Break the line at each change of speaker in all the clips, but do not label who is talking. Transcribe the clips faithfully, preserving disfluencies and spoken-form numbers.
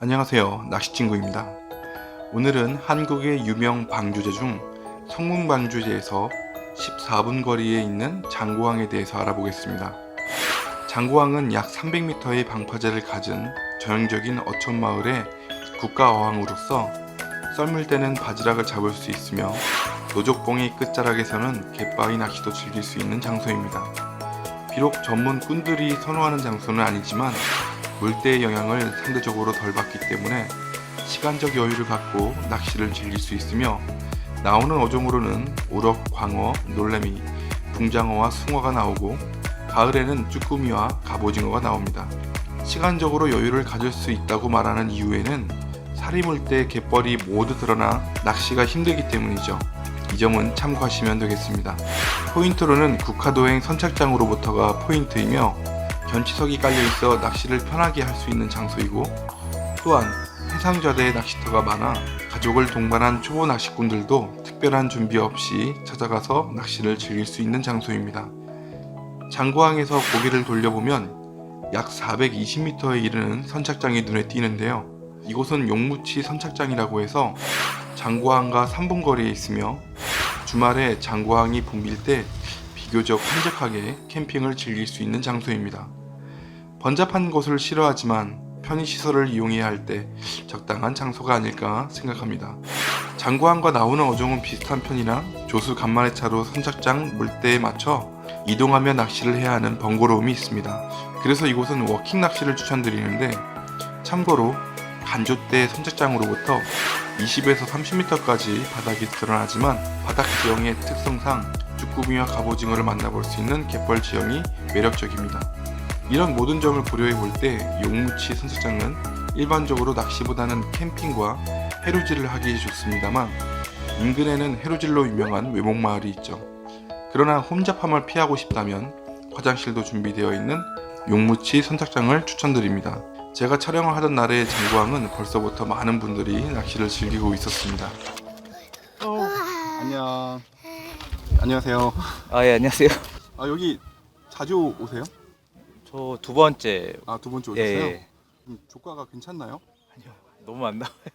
안녕하세요, 낚시친구입니다. 오늘은 한국의 유명 방조제 중 성문방조제에서 십사 분 거리에 있는 장고항에 대해서 알아보겠습니다. 장고항은 약 삼백 미터의 방파제를 가진 전형적인 어촌마을의 국가어항으로서 썰물 때는 바지락을 잡을 수 있으며 노족봉의 끝자락에서는 갯바위 낚시도 즐길 수 있는 장소입니다. 비록 전문 꾼들이 선호하는 장소는 아니지만 물때의 영향을 상대적으로 덜 받기 때문에 시간적 여유를 갖고 낚시를 즐길 수 있으며 나오는 어종으로는 우럭, 광어, 놀래미, 붕장어와 숭어가 나오고 가을에는 쭈꾸미와 갑오징어가 나옵니다. 시간적으로 여유를 가질 수 있다고 말하는 이유에는 사리물때 갯벌이 모두 드러나 낚시가 힘들기 때문이죠. 이 점은 참고하시면 되겠습니다. 포인트로는 국화도행 선착장으로부터가 포인트이며 견치석이 깔려있어 낚시를 편하게 할 수 있는 장소이고, 또한 해상좌대에 낚시터가 많아 가족을 동반한 초보 낚시꾼들도 특별한 준비 없이 찾아가서 낚시를 즐길 수 있는 장소입니다. 장고항에서 고개를 돌려보면 약 사백이십 미터에 이르는 선착장이 눈에 띄는데요. 이곳은 용무치 선착장이라고 해서 장고항과 삼 분 거리에 있으며 주말에 장고항이 붐빌 때 비교적 한적하게 캠핑을 즐길 수 있는 장소입니다. 번잡한 곳을 싫어하지만 편의시설을 이용해야 할 때 적당한 장소가 아닐까 생각합니다. 장고항과 나오는 어종은 비슷한 편이나 조수 간만의 차로 선착장 물때에 맞춰 이동하며 낚시를 해야 하는 번거로움이 있습니다. 그래서 이곳은 워킹 낚시를 추천드리는데, 참고로 간조대 선착장으로부터 이십에서 삼십 미터까지 바닥이 드러나지만 바닥 지형의 특성상 쭈꾸미와 갑오징어를 만나볼 수 있는 갯벌 지형이 매력적입니다. 이런 모든 점을 고려해 볼 때 용무치 선착장은 일반적으로 낚시보다는 캠핑과 해루질을 하기 좋습니다만 인근에는 해루질로 유명한 외목마을이 있죠. 그러나 혼잡함을 피하고 싶다면 화장실도 준비되어 있는 용무치 선착장을 추천드립니다. 제가 촬영을 하던 날의 장고항은 벌써부터 많은 분들이 낚시를 즐기고 있었습니다. 어, 안녕. 안녕하세요.
아, 예, 안녕하세요.
아, 여기 자주 오세요?
저 두 번째.
아, 두 번째
예,
오셨어요?
예.
음, 조과가 괜찮나요?
아니요, 너무 안 나와요.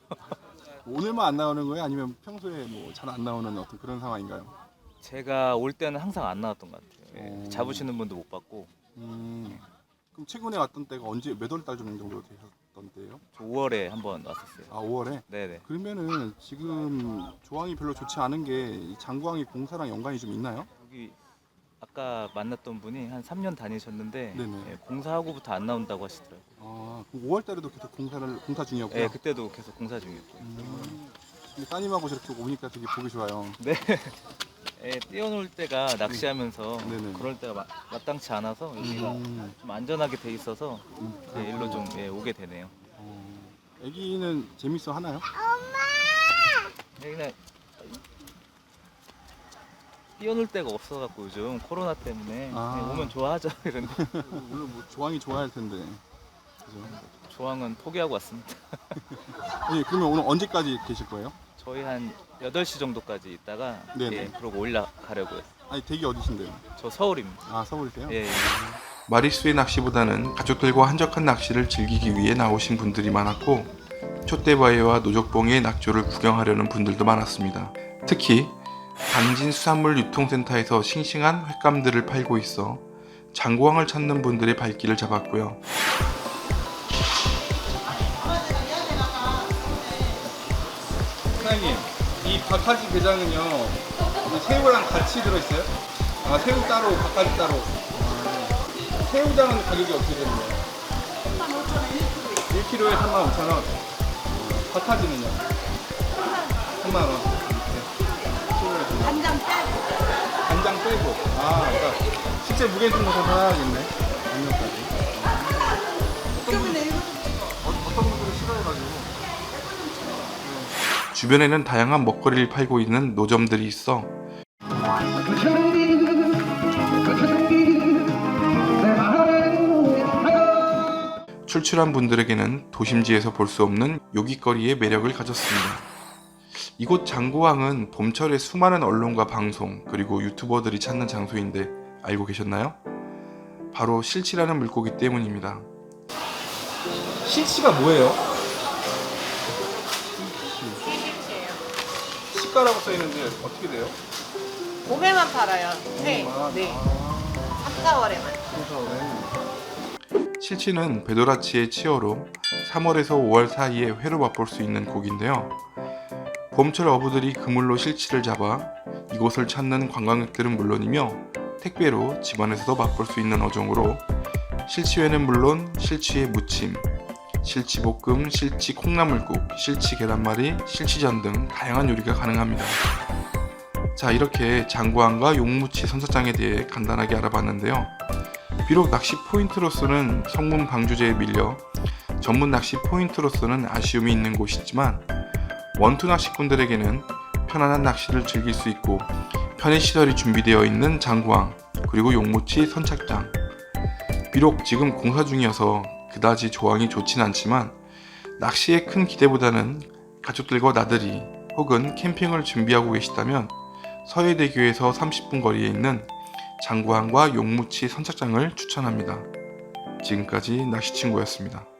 오늘만 안 나오는 거예요? 아니면 평소에 뭐 잘 안 나오는 어떤 그런 상황인가요?
제가 올 때는 항상 안 나왔던 것 같아요. 예,
오.
잡으시는 분도 못 봤고.
음, 그럼 최근에 왔던 때가 언제, 몇 월 달 정도 되셨던 때예요?
저 오월에 한번 왔었어요.
아, 오월에?
네네.
그러면은 지금 조항이 별로 좋지 않은 게 이 장고항이 공사랑 연관이 좀 있나요?
여기 아까 만났던 분이 한 삼 년 다니셨는데
네네.
예, 공사하고부터 안 나온다고 하시더라고요.
아, 그럼 오월 달에도 계속 공사를 공사 중이었고요.
예, 그때도 계속 공사 중이었고.
음, 근데 따님하고 저렇게 오니까 되게 보기 좋아요.
네. 예, 뛰어놀 때가 낚시하면서
네네.
그럴 때가 마, 마땅치 않아서 여기가
음,
좀 안전하게 돼 있어서
음,
예, 일로 좀 예, 오게 되네요.
어, 애기는 재밌어 하나요?
예, 그냥 뛰어놀 데가 없어갖고 요즘 코로나 때문에
아.
그냥 오면 좋아하죠. 이런데
오늘 뭐 조항이 좋아할 텐데. 그죠?
조항은 포기하고 왔습니다.
예, 그러면 오늘 언제까지 계실 거예요?
저희 한 여덟 시 정도까지 있다가
네네.
예, 그러고 올라가려고요.
아니, 댁이 어디신데요?
저 서울입니다.
아, 서울이세요?
예, 예.
마리수의 낚시보다는 가족들과 한적한 낚시를 즐기기 위해 나오신 분들이 많았고, 촛대바위와 노적봉의 낙조를 구경하려는 분들도 많았습니다. 특히 당진 수산물 유통센터에서 싱싱한 횟감들을 팔고 있어 장고항을 찾는 분들의 발길을 잡았고요. 사장님, 이 박하지 게장은요, 새우랑 같이 들어있어요? 아, 새우 따로, 박하지 따로. 아, 새우장은 가격이 어떻게 되는 거예요? 삼만 오천 원 일 킬로그램에 삼만 오천 원. 박하지는요? 삼만 원. 이렇게.
간장 빼고
간장 빼고. 아, 그러니까 실제 무게는 좀 더 사야겠네. 간장까지. 어떤 분들은 어떤 분들은 싫어해가지고. 주변에는 다양한 먹거리를 팔고 있는 노점들이 있어 출출한 분들에게는 도심지에서 볼 수 없는 요깃거리의 매력을 가졌습니다. 이곳 장고항은 봄철에 수많은 언론과 방송 그리고 유튜버들이 찾는 장소인데 알고 계셨나요? 바로 실치라는 물고기 때문입니다. 실치가 뭐예요?
시가라고 써 있는데 어떻게 돼요?
봄에만 팔아요. 네.
봄에만?
네.
아,
삼, 사월에만.
그래서
실치는 베도라치의 치어로 삼월에서 오월 사이에 회로 맛볼 수 있는 고기인데요. 봄철 어부들이 그물로 실치를 잡아 이곳을 찾는 관광객들은 물론이며 택배로 집안에서도 맛볼 수 있는 어종으로 실치회는 물론 실치회 무침, 실치볶음, 실치 콩나물국, 실치 계란말이, 실치전 등 다양한 요리가 가능합니다. 자, 이렇게 장구항과 용무치 선착장에 대해 간단하게 알아봤는데요. 비록 낚시 포인트로서는 성문 방주제에 밀려 전문 낚시 포인트로서는 아쉬움이 있는 곳이지만 원투 낚시꾼들에게는 편안한 낚시를 즐길 수 있고 편의시설이 준비되어 있는 장구항 그리고 용무치 선착장. 비록 지금 공사 중이어서 그다지 조항이 좋진 않지만 낚시에 큰 기대보다는 가족들과 나들이 혹은 캠핑을 준비하고 계시다면 서해대교에서 삼십 분 거리에 있는 장구항과 용무치 선착장을 추천합니다. 지금까지 낚시친구였습니다.